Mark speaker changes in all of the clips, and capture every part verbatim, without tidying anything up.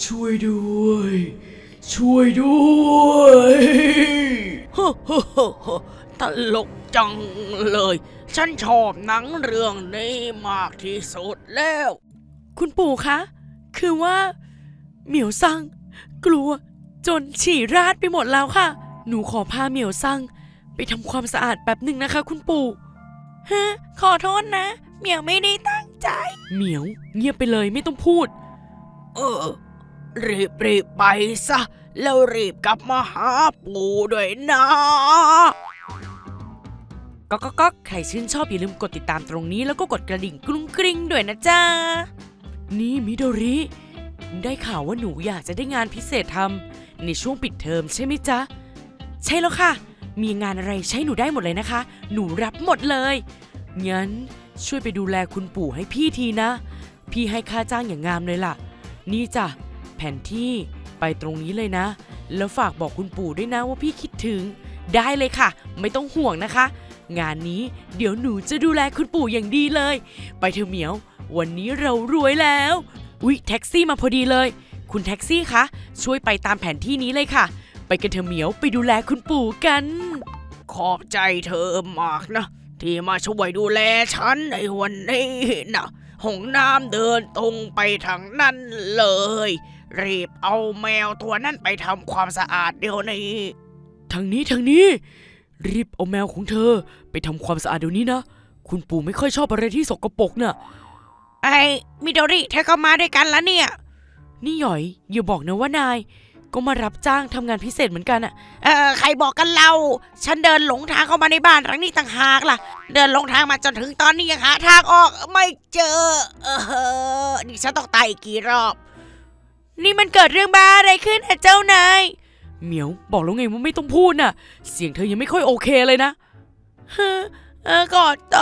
Speaker 1: ช่วยด้วยช่วยด้วย
Speaker 2: ฮ่าฮ่าฮ่าฮ่าตลกจังเลยฉันชอบหนังเรื่องนี้มากที่สุดแล้ว
Speaker 3: คุณปู่คะคือว่าเหมียวซังกลัวจนฉี่ราดไปหมดแล้วค่ะหนูขอพาเหมียวซังไปทำความสะอาดแป๊บหนึ่งนะคะคุณปู่ฮะขอโทษนะเหมียวไม่ได้ตั้งใจเหมียวเงียบไปเลยไม่ต้องพูด
Speaker 2: เออรีบรีบไปซะแล้วรีบกลับมาหาปู่ด้วยนะ
Speaker 3: ก็ก็ก็ใครชื่นชอบอย่าลืมกดติดตามตรงนี้แล้วก็กดกระดิ่งกรุ้งกริ้งด้วยนะจ๊ะนี่มิโดริได้ข่าวว่าหนูอยากจะได้งานพิเศษทำในช่วงปิดเทอมใช่ไหมจ๊ะใช่แล้วค่ะมีงานอะไรใช้หนูได้หมดเลยนะคะหนูรับหมดเลยงั้นช่วยไปดูแลคุณปู่ให้พี่ทีนะพี่ให้ค่าจ้างอย่างงามเลยล่ะนี่จ้ะแผนที่ไปตรงนี้เลยนะแล้วฝากบอกคุณปู่ด้วยนะว่าพี่คิดถึงได้เลยค่ะไม่ต้องห่วงนะคะงานนี้เดี๋ยวหนูจะดูแลคุณปู่อย่างดีเลยไปเถอะเหมียววันนี้เรารวยแล้วอุ๊ยแท็กซี่มาพอดีเลยคุณแท็กซี่คะช่วยไปตามแผนที่นี้เลยค่ะไปกันเถอะเหมียวไปดูแลคุณปู่กัน
Speaker 2: ขอบใจเธอมากนะที่มาช่วยดูแลฉันในวันนี้นะห้องน้ำเดินตรงไปทางนั้นเลยรีบเอาแมวตัวนั้นไปทำความสะอาดเดี๋ยวนี้
Speaker 3: ทางนี้ทางนี้รีบเอาแมวของเธอไปทำความสะอาดเดี๋ยวนี้นะคุณปู่ไม่ค่อยชอบอะไรที่สกปรกน่ะ
Speaker 2: ไอ้มิโดริเธอก็มาด้วยกันแล้วเนี่ย
Speaker 3: นี่หยอยอย่าบอกนะว่านายก็มารับจ้างทำงานพิเศษเหมือนกันอะ
Speaker 2: เออใครบอกกันเราฉันเดินหลงทางเข้ามาในบ้านหลังนี้ต่างหากล่ะเดินหลงทางมาจนถึงตอนนี้ยังหาทางออกไม่เจอเออนี่ฉันต้องตายอีกกี่รอบ
Speaker 3: นี่มันเกิดเรื่องบ้าอะไรขึ้นอะเจ้านายเหมียวบอกแล้วไงว่าไม่ต้องพูดน่ะเสียงเธอยังไม่ค่อยโอเคเลยนะ
Speaker 2: เออกอดโต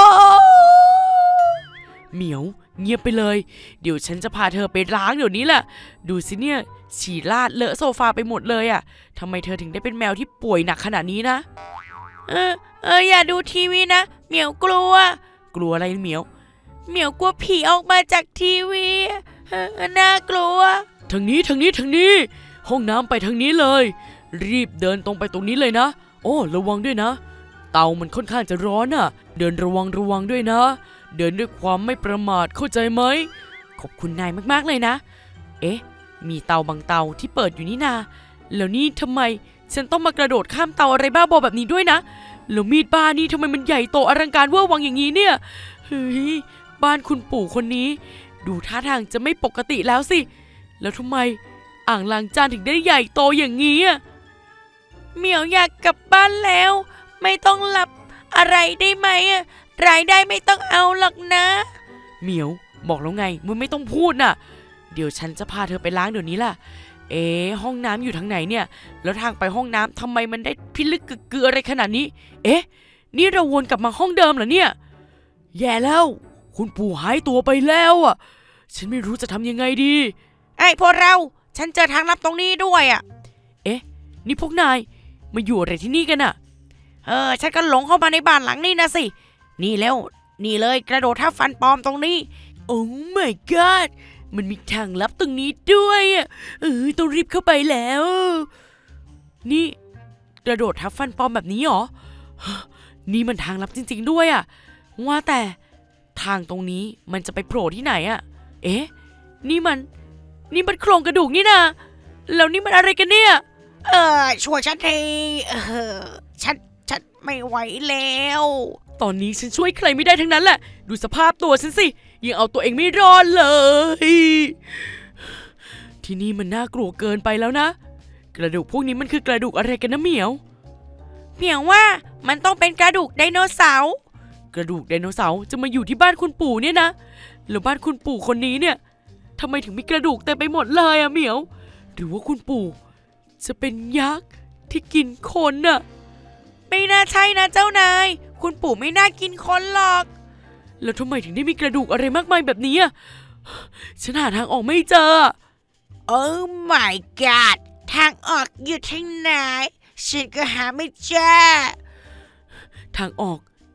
Speaker 3: เหมียวเงียบไปเลยเดี๋ยวฉันจะพาเธอไปล้างเดี๋ยวนี้แหละดูสิเนี่ยฉี่ราดเลอะโซฟาไปหมดเลยอ่ะทำไมเธอถึงได้เป็นแมวที่ป่วยหนักขนาดนี้นะ
Speaker 2: เออเอออย่าดูทีวีนะเหมียวกลัว
Speaker 3: กลัวอะไรเหมียว
Speaker 2: เหมียวกลัวผีออกมาจากทีวีเออน่ากลัว
Speaker 3: ทางนี้ทางนี้ทางนี้ห้องน้ำไปทางนี้เลยรีบเดินตรงไปตรงนี้เลยนะโอ้ระวังด้วยนะเตามันค่อนข้างจะร้อนน่ะเดินระวังระวังด้วยนะเดินด้วยความไม่ประมาทเข้าใจไหมขอบคุณนายมากๆเลยนะเอ๊ะมีเตาบางเตาที่เปิดอยู่นี่นาแล้วนี่ทำไมฉันต้องมากระโดดข้ามเตาอะไรบ้าบอแบบนี้ด้วยนะแล้วมีดบ้านี่ทำไมมันใหญ่โตอลังการเวอร์วังอย่างนี้เนี่ยเฮ้ยบ้านคุณปู่คนนี้ดูท่าทางจะไม่ปกติแล้วสิแล้วทำไมอ่างล้างจานถึงได้ใหญ่โตอย่างนี้อ่ะ
Speaker 2: เหมียวอยากกลับบ้านแล้วไม่ต้องหลับอะไรได้ไหมอ่ะรายได้ไม่ต้องเอาหรอกนะ
Speaker 3: เหมียวบอกแล้วไงมึงไม่ต้องพูดน่ะเดี๋ยวฉันจะพาเธอไปล้างเดี๋ยวนี้ล่ะเอ๊ะห้องน้ำอยู่ทางไหนเนี่ยแล้วทางไปห้องน้ำทำไมมันได้พิลึกกึกกืออะไรขนาดนี้เอ๊ะนี่เราวนกลับมาห้องเดิมเหรอเนี่ยแย่แล้วคุณปู่หายตัวไปแล้วอ่ะฉันไม่รู้จะทำยังไงดี
Speaker 2: ไอ้พวกเราฉันเจอทางลับตรงนี้ด้วยอ่ะ
Speaker 3: เอ๊ะนี่พวกนายมาอยู่อะไรที่นี่กันอ่ะ
Speaker 2: เออฉันก็หลงเข้ามาในบ้านหลังนี้นะสินี่แล้วนี่เลยกระโดดทับฟันปลอมตรงนี้
Speaker 3: โอ้ my god มันมีทางลับตรงนี้ด้วยอ่ะเออต้องรีบเข้าไปแล้วนี่กระโดดทับฟันปลอมแบบนี้หรอนี่มันทางลับจริงๆด้วยอ่ะว่าแต่ทางตรงนี้มันจะไปโผล่ที่ไหนอ่ะเอ๊ะนี่มันนี่มันโครงกระดูกนี่นะแล้วนี่มันอะไรกันเนี่ย
Speaker 2: เออช่วยฉันทีเออฉันฉันไม่ไหวแล้ว
Speaker 3: ตอนนี้ฉันช่วยใครไม่ได้ทั้งนั้นแหละดูสภาพตัวฉันสิยังเอาตัวเองไม่รอดเลยที่นี่มันน่ากลัวเกินไปแล้วนะกระดูกพวกนี้มันคือกระดูกอะไรกันนะเหมียว
Speaker 2: เหมียวว่ามันต้องเป็นกระดูกไดโนเสาร์
Speaker 3: กระดูกไดโนเสาร์จะมาอยู่ที่บ้านคุณปู่เนี่ยนะแล้วบ้านคุณปู่คนนี้เนี่ยทำไมถึงมีกระดูกเต็มไปหมดเลยอะเหมียวหรือว่าคุณปู่จะเป็นยักษ์ที่กินคนน่ะ
Speaker 2: ไม่น่าใช่นะเจ้านายคุณปู่ไม่น่ากินคนหรอก
Speaker 3: แล้วทำไมถึงได้มีกระดูกอะไรมากมายแบบนี้อ่ะฉันหาทางออกไม่เจอ
Speaker 2: โอ้ my god ทางออกอยู่ที่ไหนฉันก็หาไม่เจอ
Speaker 3: ทางออก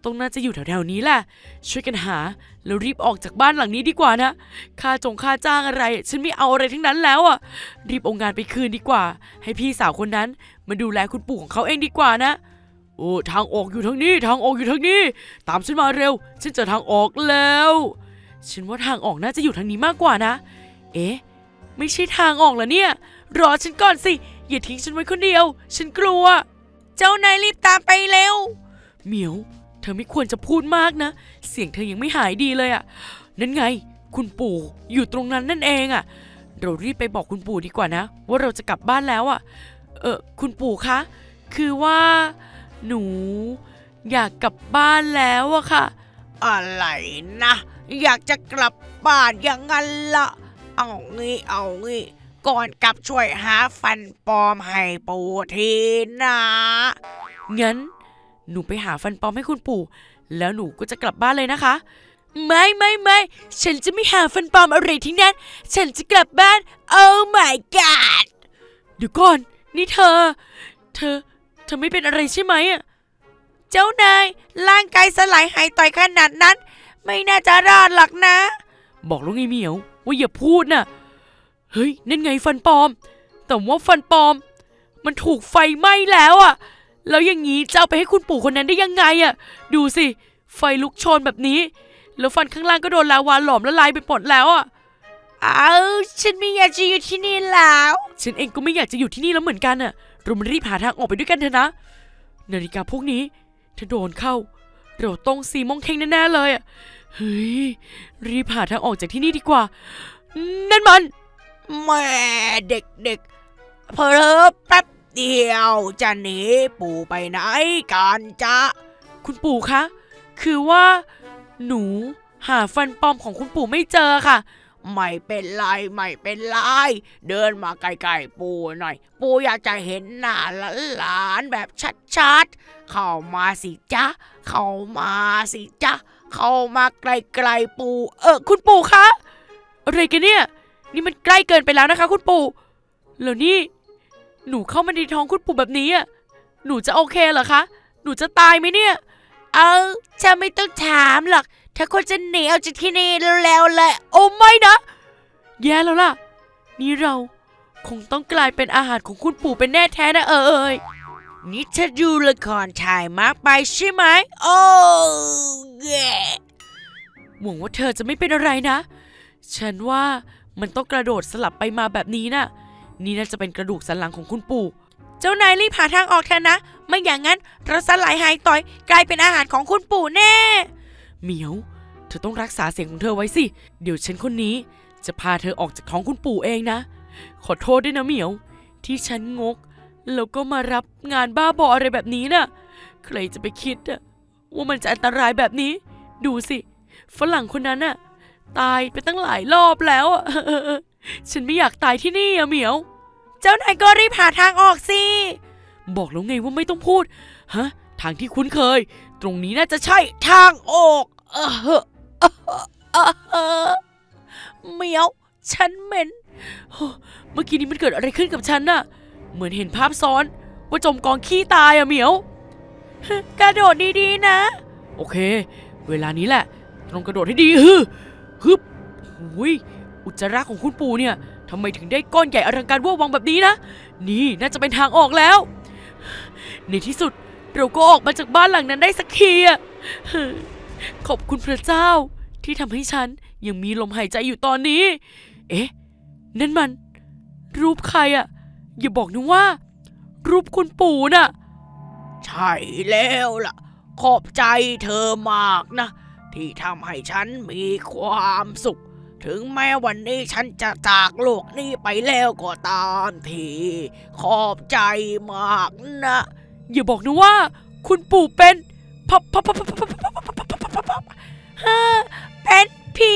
Speaker 3: ต้องน่าจะอยู่แถวๆนี้แหละช่วยกันหาแล้วรีบออกจากบ้านหลังนี้ดีกว่านะค่าจงค่าจ้างอะไรฉันไม่เอาอะไรทั้งนั้นแล้วอ่ะรีบเอางานไปคืนดีกว่าให้พี่สาวคนนั้นมาดูแลคุณปู่ของเขาเองดีกว่านะโอ้ทางออกอยู่ทางนี้ทางออกอยู่ทางนี้ตามฉันมาเร็วฉันเจอทางออกแล้วฉันว่าทางออกน่าจะอยู่ทางนี้มากกว่านะเอ๊ะไม่ใช่ทางออกเหรอเนี่ยรอฉันก่อนสิอย่าทิ้งฉันไว้คนเดียวฉันกลัวเจ้านายรีบตามไปเร็วเหมียวเธอไม่ควรจะพูดมากนะเสียงเธอยังไม่หายดีเลยอ่ะนั่นไงคุณปู่อยู่ตรงนั้นนั่นเองอ่ะเรารีบไปบอกคุณปู่ดีกว่านะว่าเราจะกลับบ้านแล้วอ่ะเออคุณปู่คะคือว่าหนูอยากกลับบ้านแล้วอะค่ะ
Speaker 2: อะไรนะอยากจะกลับบ้านอย่างนั้นละเอางี้เอางี้ก่อนกลับช่วยหาฟันปลอมให้ปู่ทีนะ
Speaker 3: งั้นหนูไปหาฟันปลอมให้คุณปู่แล้วหนูก็จะกลับบ้านเลยนะคะไม่ไม่ไม่ฉันจะไม่หาฟันปลอมอะไรทั้งนั้นฉันจะกลับบ้าน Oh my god เดี๋ยวก่อนนี่เธอเธอเธอไม่เป็นอะไรใช่ไหมอ่ะ
Speaker 2: เจ้านายร่างกายสลายหายต่อยขนาดนั้นไม่น่าจะรอดหรอกนะ
Speaker 3: บอกแล้วไงเหมียวว่าอย่าพูดน่ะเฮ้ยนั่นไงฟันปลอมแต่ว่าฟันปลอมมันถูกไฟไหม้แล้วอ่ะแล้วอย่างนี้จะเอาไปให้คุณปู่คนนั้นได้ยังไงอ่ะดูสิไฟลุกโชนแบบนี้แล้วฟันข้างล่างก็โดนลาวาหลอมละลายไปหมดแล้วอ่ะ
Speaker 2: เอาฉันไม่อยากจะอยู่ที่นี่แล้ว
Speaker 3: ฉันเองก็ไม่อยากจะอยู่ที่นี่แล้วเหมือนกันอ่ะเรามารีบหาทางออกไปด้วยกันเถอะนะนาฬิกาพวกนี้ถ้าโดนเข้าเราต้องซีมองเข่งแน่ๆเลยอ่ะเฮ้ยรีบหาทางออกจากที่นี่ดีกว่านั่นมัน
Speaker 2: แม่เด็กๆเพลอแป๊บเดียวจะหนีปู่ไปไหนกันจ๊ะ
Speaker 3: คุณปู่คะคือว่าหนูหาฟันปลอมของคุณปู่ไม่เจอค่ะ
Speaker 2: ไม่เป็นไรไม่เป็นไรเดินมาใกล้ๆปู่หน่อยปู่อยากจะเห็นหน้าหลานๆแบบชัดๆเข้ามาสิจ๊ะเข้ามาสิจ๊ะเข้ามาใกล้ๆปู่
Speaker 3: เออคุณปู่คะอะไรกันเนี่ยนี่มันใกล้เกินไปแล้วนะคะคุณปู่แล้วนี่หนูเข้ามาในท้องคุณปู่แบบนี้อ่ะหนูจะโอเคเหรอคะหนูจะตายไหมเนี่ย
Speaker 2: เอาจะไม่ต้องถามหรอกถ้าคนจะหนีเอาจากที่นี่แล้วแหละ
Speaker 3: โอ้ไม่นะแย่แล้วล่ะนี่เราคงต้องกลายเป็นอาหารของคุณปู่เป็นแน่แท้นะเอ่ย
Speaker 2: นี่เธอดูละครถ่ายมากไปใช่ไหมโอ้แย่
Speaker 3: หวังว่าเธอจะไม่เป็นอะไรนะฉันว่ามันต้องกระโดดสลับไปมาแบบนี้น่ะนี่น่าจะเป็นกระดูกสันหลังของคุณปู่
Speaker 2: เจ้านายรีบหาทางออกเถอะนะไม่อย่างนั้นเราสลายหายต่อยกลายเป็นอาหารของคุณปู่แน่
Speaker 3: เหมียวเธอต้องรักษาเสียงของเธอไว้สิเดี๋ยวฉันคนนี้จะพาเธอออกจากท้องคุณปู่เองนะขอโทษด้วยนะเหมียวที่ฉันงกแล้วก็มารับงานบ้าบออะไรแบบนี้น่ะใครจะไปคิดอะว่ามันจะอันตรายแบบนี้ดูสิฝรั่งคนนั้นน่ะตายไปตั้งหลายรอบแล้วอะฉันไม่อยากตายที่นี่อะเหมียว
Speaker 2: เจ้านายก็รีบหาทางออกสิ
Speaker 3: บอกแล้วไงว่าไม่ต้องพูดฮะทางที่คุ้นเคยตรงนี้น่าจะใช่
Speaker 2: ทางออกเออเออเออเหมียวฉันเหม็น
Speaker 3: เมื่อกี้นี้มันเกิดอะไรขึ้นกับฉันน่ะเหมือนเห็นภาพซ้อนว่าจมกองขี้ตายอะเหมียว
Speaker 2: กระโดดดีๆนะ
Speaker 3: โอเคเวลานี้แหละต้องกระโดดให้ดีฮึฮึบหุยอุจจาระของคุณปู่เนี่ยทำไมถึงได้ก้อนใหญ่อลังการเวอร์วังแบบนี้นะนี่น่าจะเป็นทางออกแล้วในที่สุดเราก็ออกมาจากบ้านหลังนั้นได้สักทีอะขอบคุณพระเจ้าที่ทำให้ฉันยังมีลมหายใจอยู่ตอนนี้เอ๊ะนั่นมันรูปใครอะอย่าบอกนะว่ารูปคุณปู่น่ะ
Speaker 2: ใช่แล้วล่ะขอบใจเธอมากนะที่ทำให้ฉันมีความสุขถึงแม้วันนี้ฉันจะจากโลกนี้ไปแล้วก็ตามทีขอบใจมากนะ
Speaker 3: อย่าบอกนะว่าคุณปู่เป็นพับพับพับพับพับพับ
Speaker 2: พับเป็นผี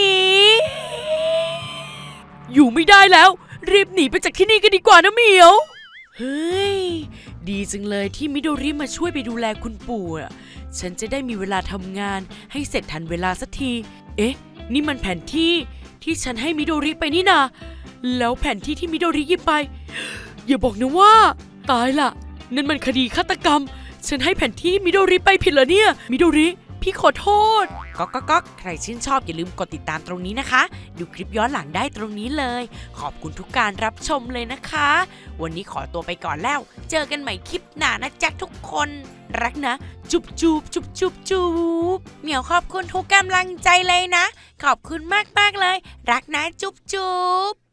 Speaker 3: อยู่ไม่ได้แล้วรีบหนีไปจากที่นี่กันดีกว่านะเหมียวเฮ้ยดีจังเลยที่มิโดริมาช่วยไปดูแลคุณปู่อ่ะฉันจะได้มีเวลาทำงานให้เสร็จทันเวลาสักทีเอ๊ะนี่มันแผนที่ที่ฉันให้มิโดริไปนี่นาแล้วแผนที่ที่มิโดริหยิบไปอย่าบอกนะว่าตายละนั่นมันคดีฆาตกรรมฉันให้แผนที่มิโดริไปผิดเหรอเนี่ยมิโดริพี่ขอโทษก็ก็ก็ใครชื่นชอบอย่าลืมกดติดตามตรงนี้นะคะดูคลิปย้อนหลังได้ตรงนี้เลยขอบคุณทุกการรับชมเลยนะคะวันนี้ขอตัวไปก่อนแล้วเจอกันใหม่คลิปหน้านะจ๊ะทุกคนรักนะจุบจุบจุบจุบจุบเหมียวขอบคุณทุกกำลังใจเลยนะขอบคุณมากมากเลยรักนะจุบจุบ